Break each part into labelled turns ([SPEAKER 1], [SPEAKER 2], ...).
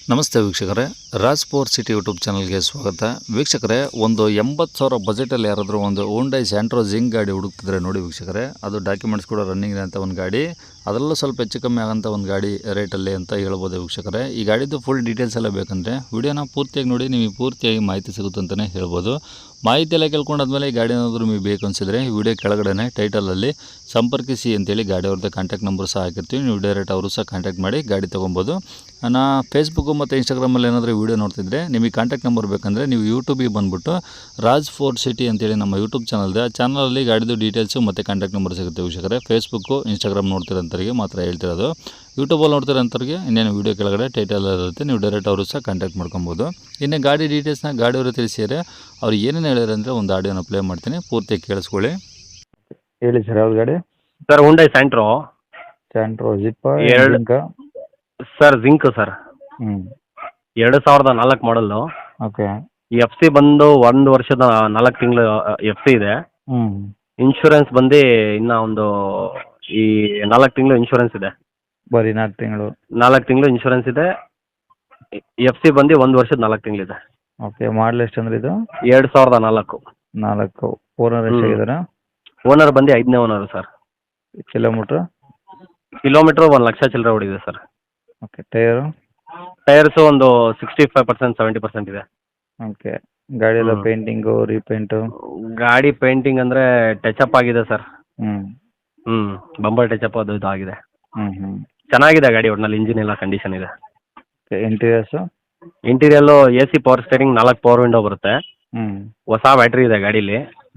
[SPEAKER 1] ನಮಸ್ತೆ ವೀಕ್ಷಕರೇ, Raj power city YouTube ಚಾನಲ್ಗೆ ಸ್ವಾಗತ. ವೀಕ್ಷಕರೇ, ಒಂದು 80,000 ಬಜೆಟಲ್ಲಿ ಯಾರಾದರೂ ಒಂದು ಹೋಂಡೈ ಸ್ಯಾಂಟ್ರೋ ಜಿಂಗ್ ಗಾಡಿ ಹುಡುಕ್ತಿದ್ರೆ ನೋಡಿ ವೀಕ್ಷಕರೇ, ಅದು ಡಾಕ್ಯುಮೆಂಟ್ಸ್ ಕೂಡ ರನ್ನಿಂಗ್ ಅಂತ ಒಂದು ಗಾಡಿ, ಅದರಲ್ಲೂ ಸ್ವಲ್ಪ ಹೆಚ್ಚು ಕಮ್ಮಿ ಆಗೋಂಥ ಒಂದು ಗಾಡಿ ರೇಟಲ್ಲಿ ಅಂತ ಹೇಳ್ಬೋದು ವೀಕ್ಷಕರೇ. ಈ ಗಾಡಿದು ಫುಲ್ ಡೀಟೇಲ್ಸ್ ಎಲ್ಲ ಬೇಕಂದರೆ ವಿಡಿಯೋನ ಪೂರ್ತಿಯಾಗಿ ನೋಡಿ, ನಿಮಗೆ ಪೂರ್ತಿಯಾಗಿ ಮಾಹಿತಿ ಸಿಗುತ್ತೆ ಅಂತಲೇ ಹೇಳ್ಬೋದು. ಮಾಹಿತಿ ಎಲ್ಲ ಕೇಳ್ಕೊಂಡಾದ್ಮೇಲೆ ಈ ಗಾಡಿ ಏನಾದರೂ ನಿಮಗೆ ಬೇಕು ಅನಿಸಿದ್ರೆ ಈ ವಿಡಿಯೋ ಕೆಳಗಡೆ ಟೈಟಲಲ್ಲಿ ಸಂಪರ್ಕಿಸಿ ಅಂತೇಳಿ ಗಾಡಿ ಅವ್ರದ್ದು ಕಾಂಟ್ಯಾಕ್ಟ್ ನಂಬರ್ ಸಹ ಹಾಕಿರ್ತೀವಿ. ನೀವು ಡೈರೆಕ್ಟ್ ಅವರು ಸಹ ಕಾಂಟ್ಯಾಕ್ಟ್ ಮಾಡಿ ಗಾಡಿ ತೊಗೊಬೋದು. ನಾನು ಫೇಸ್ಬುಕ್ಕು ಮತ್ತು ಇನ್ಸ್ಟಾಗ್ರಾಮಲ್ಲಿ ಏನಾದರೂ ವೀಡಿಯೋ ನೋಡ್ತಿದ್ರೆ ನಿಮಗೆ ಕಾಂಟ್ಯಾಕ್ಟ್ ನಂಬರ್ ಬೇಕಂದರೆ ನೀವು ಯೂಟ್ಯೂಬಿಗೆ ಬಂದುಬಿಟ್ಟು ರಾಜ್ ಪವರ್ ಸಿಟಿ ಅಂತೇಳಿ ನಮ್ಮ ಯೂಟ್ಯೂಬ್ ಚಾನಲ್ ಇದೆ. ಆ ಚಾನಲಲ್ಲಿ ಗಾಡಿದು ಡೀಟೇಲ್ಸು ಮತ್ತು ಕಾಂಟ್ಯಾಕ್ಟ್ ನಂಬರ್ ಸಿಗುತ್ತೆ ವೀಕ್ಷಕರೇ. ಫೇಸ್ಬುಕ್ಕು ಇನ್ಸ್ಟಾಗ್ರಾಮ್ ನೋಡ್ತಿರೋಂಥವ್ರಿಗೆ ಮಾತ್ರ ಹೇಳ್ತಿರೋದು. ಯೂಟ್ಯೂಬಲ್ಲಿ ನೋಡ್ತಿರೋಂಥವ್ರಿಗೆ ಇನ್ನೇನು ವೀಡಿಯೋ ಕೆಳಗಡೆ ಟೈಟಲ್ ಇರುತ್ತೆ, ನೀವು ಡೈರೆಕ್ಟ್ ಅವರು ಸಹ ಕಾಂಟ್ಯಾಕ್ಟ್ ಮಾಡ್ಕೊಬೋದು. ಇನ್ನು ಗಾಡಿ ಡೀಟೇಲ್ಸ್ನ ಗಾಡಿಯವರು ತಿಳಿಸಿದರೆ ಅವ್ರು ಏನೇನು ಹೇಳಿದ್ರು ಅಂದರೆ ಒಂದು ಆಡಿಯೋನ ಪ್ಲೇ ಮಾಡ್ತೀನಿ, ಪೂರ್ತಿ ಕೇಳಿಸ್ಕೊಳ್ಳಿ.
[SPEAKER 2] ಹೇಳಿ ಸರ್, ಯಾವ್ದು ಗಾಡಿ?
[SPEAKER 3] Sir Hyundai Santro
[SPEAKER 2] zip
[SPEAKER 3] sir Xing sir 2004 model.
[SPEAKER 2] Okay.
[SPEAKER 3] F C ಬಂದು 1 ವರ್ಷದ 4 ತಿಂಗಳು ಎಫ್ ಸಿ ಇದೆ. ಇನ್ಶೂರೆನ್ಸ್ ಬಂದು ಇನ್ನು ಒಂದು ಈ 4 ತಿಂಗಳು ಇನ್ಶೂರೆನ್ಸ್ ಇದೆ.
[SPEAKER 2] ಬರೀ 4
[SPEAKER 3] ತಿಂಗಳು ಇನ್ಶೂರೆನ್ಸ್ ಇದೆ. ಎಫ್ ಸಿ ಬಂದು 1 ವರ್ಷದ 4 ತಿಂಗಳಿದೆ.
[SPEAKER 2] ಓಕೆ. ಮಾಡಲ್ ಎಷ್ಟು ಅಂದ್ರೆ ಇದು?
[SPEAKER 3] 2004.
[SPEAKER 2] 4. ಓನರ್ ಎಷ್ಟಾಗಿದ್ದಾರೆ?
[SPEAKER 3] ಓನರ್ ಬಂದು 5ನೇ ಓನರ್ ಸರ್.
[SPEAKER 2] ಕಿಲೋಮೀಟ್ರ್
[SPEAKER 3] 1 ಲಕ್ಷ ಚಿಲ್ಲರೆ ಹೊಡಿದೆ ಸರ್.
[SPEAKER 2] ಓಕೆ. ಟೈರ್ಸು
[SPEAKER 3] ಒಂದು 65% 70% ಇದೆ.
[SPEAKER 2] ಓಕೆ. ಗಾಡಿ ಎಲ್ಲ ಪೇಂಟಿಂಗು ರೀಪೇಂಟು?
[SPEAKER 3] ಗಾಡಿ ಪೇಂಟಿಂಗ್ ಅಂದರೆ ಟಚಪ್ ಆಗಿದೆ ಸರ್.
[SPEAKER 2] ಹ್ಞೂ
[SPEAKER 3] ಬಂಬರ್ ಟಚಪ್ ಅದು ಇದು ಆಗಿದೆ.
[SPEAKER 2] ಹ್ಞೂ
[SPEAKER 3] ಚೆನ್ನಾಗಿದೆ ಗಾಡಿ, ಒಟ್ಟಿನಲ್ಲಿ ಇಂಜಿನ್ ಎಲ್ಲ ಕಂಡೀಷನ್ ಇದೆ.
[SPEAKER 2] Okay. Interiors?
[SPEAKER 3] Interior A C power steering 4 power window ಬರುತ್ತೆ. ಹೊಸ ಬ್ಯಾಟ್ರಿ ಇದೆ ಗಾಡೀಲಿ.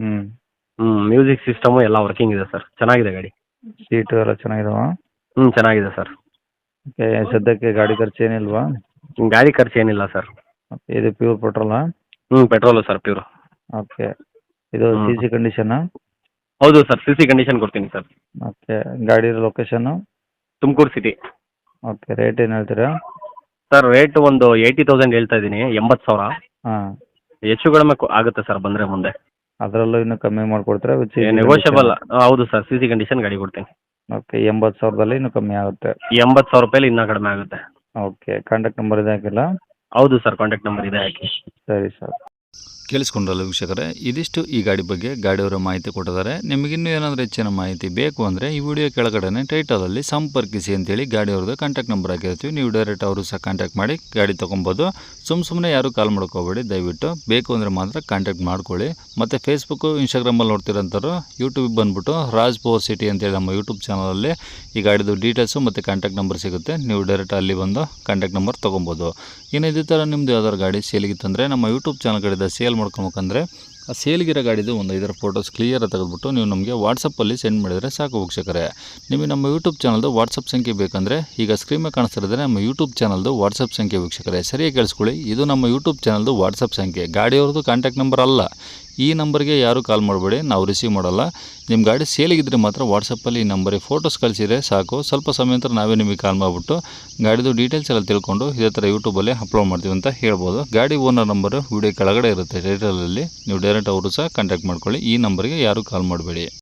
[SPEAKER 3] ಮ್ಯೂಸಿಕ್ ಸಿಸ್ಟಮು ಎಲ್ಲ ವರ್ಕಿಂಗ್ ಇದೆ ಸರ್. ಚೆನ್ನಾಗಿದೆ ಗಾಡಿ.
[SPEAKER 2] ಸೀಟು ಎಲ್ಲ ಚೆನ್ನಾಗಿದಾವ?
[SPEAKER 3] ಚೆನ್ನಾಗಿದೆ ಸರ್.
[SPEAKER 2] ಓಕೆ. ಸದ್ಯಕ್ಕೆ ಗಾಡಿ ಖರ್ಚು ಏನಿಲ್ವಾ?
[SPEAKER 3] ಗಾಡಿ ಖರ್ಚು ಏನಿಲ್ಲ ಸರ್.
[SPEAKER 2] ಓಕೆ. ಇದು ಪ್ಯೂರ್ ಪೆಟ್ರೋಲಾ?
[SPEAKER 3] Petrol sir, pure.
[SPEAKER 2] ಓಕೆ. ಇದು ಸಿ ಸಿ ಕಂಡೀಷನಾ?
[SPEAKER 3] ಹೌದು ಸರ್, ಸಿ ಸಿ ಕಂಡೀಷನ್ ಕೊಡ್ತೀನಿ ಸರ್.
[SPEAKER 2] ಓಕೆ. ಗಾಡಿ location?
[SPEAKER 3] Tumakuru city.
[SPEAKER 2] Okay. Rate ಏನು ಹೇಳ್ತೀರಾ?
[SPEAKER 3] ಸರ್ ರೇಟ್ ಒಂದು 80,000 ಹೇಳ್ತಾ ಇದ್ದೀನಿ. 80,000.
[SPEAKER 2] ಹಾಂ.
[SPEAKER 3] ಹೆಚ್ಚು ಕಡಿಮೆ ಆಗುತ್ತೆ ಸರ್ ಬಂದರೆ ಮುಂದೆ.
[SPEAKER 2] ಅದರಲ್ಲೂ ಇನ್ನೂ ಕಮ್ಮಿ ಮಾಡಿಕೊಡ್ತೀರಾ?
[SPEAKER 3] ನೆಗೋಷಿಯಬಲ್. ಹೌದು ಸರ್, ಸಿ ಸಿ ಕಂಡೀಷನ್ ಗಾಡಿ ಕೊಡ್ತೀನಿ.
[SPEAKER 2] ಓಕೆ. 80,000ದಲ್ಲಿ ಇನ್ನೂ ಕಮ್ಮಿ ಆಗುತ್ತೆ?
[SPEAKER 3] 80,000 ರೂಪಾಯಲ್ಲಿ ಇನ್ನೂ ಕಡಿಮೆ ಆಗುತ್ತೆ.
[SPEAKER 2] ಓಕೆ. ಕಾಂಟ್ಯಾಕ್ಟ್ ನಂಬರ್ ಇದೆ ಹಾಕಿಲ್ಲ?
[SPEAKER 3] ಹೌದು ಸರ್, ಕಾಂಟ್ಯಾಕ್ಟ್ ನಂಬರ್ ಇದೆ ಹಾಕಿ.
[SPEAKER 2] ಸರಿ ಸರ್.
[SPEAKER 1] ಕೇಳಿಸ್ಕೊಂಡ್ರಲ್ಲ ವೀಕ್ಷಕರೇ, ಇದಿಷ್ಟು ಈ ಗಾಡಿ ಬಗ್ಗೆ ಗಾಡಿಯವರ ಮಾಹಿತಿ ಕೊಟ್ಟಿದ್ದಾರೆ. ನಿಮಗಿನ್ನೂ ಏನಾದರೂ ಹೆಚ್ಚಿನ ಮಾಹಿತಿ ಬೇಕು ಅಂದರೆ ಈ ವಿಡಿಯೋ ಕೆಳಗಡೆ ಟೈಟಲಲ್ಲಿ ಸಂಪರ್ಕಿಸಿ ಅಂತೇಳಿ ಗಾಡಿಯವ್ರದ್ದು ಕಾಂಟ್ಯಾಕ್ಟ್ ನಂಬರ್ ಹಾಕಿರ್ತೀವಿ. ನೀವು ಡೈರೆಕ್ಟ್ ಅವರು ಸಹ ಕಾಂಟ್ಯಾಕ್ಟ್ ಮಾಡಿ ಗಾಡಿ ತೊಗೊಬೋದು. ಸುಮ್ಮನೆ ಯಾರು ಕಾಲ್ ಮಾಡ್ಕೋಬೇಡಿ, ದಯವಿಟ್ಟು ಬೇಕು ಅಂದರೆ ಮಾತ್ರ ಕಾಂಟ್ಯಾಕ್ಟ್ ಮಾಡ್ಕೊಳ್ಳಿ. ಮತ್ತು ಫೇಸ್ಬುಕ್ಕು ಇನ್ಸ್ಟಾಗ್ರಾಮಲ್ಲಿ ನೋಡ್ತಿರೋಂಥವ್ರು ಯೂಟ್ಯೂಬಿಗೆ ಬಂದುಬಿಟ್ಟು ರಾಜ್ ಪವರ್ ಸಿಟಿ ಅಂತೇಳಿ ನಮ್ಮ ಯೂಟ್ಯೂಬ್ ಚಾನಲಲ್ಲಿ ಈ ಗಾಡಿದು ಡೀಟೇಲ್ಸು ಮತ್ತು ಕಾಂಟ್ಯಾಕ್ಟ್ ನಂಬರ್ ಸಿಗುತ್ತೆ. ನೀವು ಡೈರೆಕ್ಟ್ ಅಲ್ಲಿ ಬಂದು ಕಾಂಟ್ಯಾಕ್ಟ್ ನಂಬರ್ ತೊಗೊಬೋದು. ಇನ್ನು ಇದೇ ಥರ ನಿಮ್ಮದು ಯಾವ್ದಾದ್ರು ಗಾಡಿ ಸೇಲಿಗಿತ್ತಂದರೆ ನಮ್ಮ ಯೂಟ್ಯೂಬ್ ಚಾನಲ್ ಕಡೆಯಿಂದ ಸೇಲ್ ಮಾಡ್ಕೊಬೇಕಂದ್ರೆ ಆ ಸೇಲ್ಗಿರೋ ಗಾಡಿದು ಒಂದು 5 ಫೋಟೋಸ್ ಕ್ಲಿಯರಾಗಿ ತೆಗೆದುಬಿಟ್ಟು ನೀವು ನಮಗೆ ವಾಟ್ಸಪ್ಪಲ್ಲಿ ಸೆಂಡ್ ಮಾಡಿದರೆ ಸಾಕು ವೀಕ್ಷಕರೇ. ನಿಮಗೆ ನಮ್ಮ ಯೂಟ್ಯೂಬ್ ಚಾನಲ್ದು ವಾಟ್ಸಪ್ ಸಂಖ್ಯೆ ಬೇಕಂದರೆ ಈಗ ಸ್ಕ್ರೀನ್ ಮೇಲೆ ಕಾಣಿಸ್ತಿರೋದ್ರೆ ನಮ್ಮ ಯೂಟ್ಯೂಬ್ ಚಾನಲ್ದು ವಾಟ್ಸಪ್ ಸಂಖ್ಯೆ ವೀಕ್ಷಕರೇ. ಸರಿಯಾಗಿ ಕೇಳಿಸ್ಕೊಳ್ಳಿ, ಇದು ನಮ್ಮ ಯೂಟ್ಯೂಬ್ ಚಾನಲ್ದು ವಾಟ್ಸಪ್ ಸಂಖ್ಯೆ, ಗಾಡಿಯವ್ರದ್ದು ಕಾಂಟ್ಯಾಕ್ಟ್ ನಂಬರ್ ಅಲ್ಲ. ಈ ನಂಬರ್ಗೆ ಯಾರು ಕಾಲ್ ಮಾಡಬೇಡಿ, ನಾವು ರಿಸೀವ್ ಮಾಡಲ್ಲ. ನಿಮ್ಮ ಗಾಡಿ ಸೇಲಿಗಿದ್ರೆ ಮಾತ್ರ ವಾಟ್ಸಪ್ಪಲ್ಲಿ ಈ ನಂಬರಿಗೆ ಫೋಟೋಸ್ ಕಳಿಸಿದರೆ ಸಾಕು. ಸ್ವಲ್ಪ ಸಮಯ ನಂತರ ನಾವೇ ನಿಮಗೆ ಕಾಲ್ ಮಾಡಿಬಿಟ್ಟು ಗಾಡಿದು ಡೀಟೇಲ್ಸ್ ಎಲ್ಲ ತಿಳ್ಕೊಂಡು ಇದೇ ಥರ ಯೂಟ್ಯೂಬಲ್ಲಿ ಅಪ್ಲೋಡ್ ಮಾಡ್ತೀವಿ ಅಂತ ಹೇಳ್ಬೋದು. ಗಾಡಿ ಓನರ್ ನಂಬರು ವಿಡಿಯೋ ಕೆಳಗಡೆ ಇರುತ್ತೆ ಟೈಟಲಲ್ಲಿ, ನೀವು ಡೈರೆಕ್ಟ್ ಅವರು ಸಹ ಕಾಂಟ್ಯಾಕ್ಟ್ ಮಾಡ್ಕೊಳ್ಳಿ. ಈ ನಂಬರ್ಗೆ ಯಾರು ಕಾಲ್ ಮಾಡಬೇಡಿ.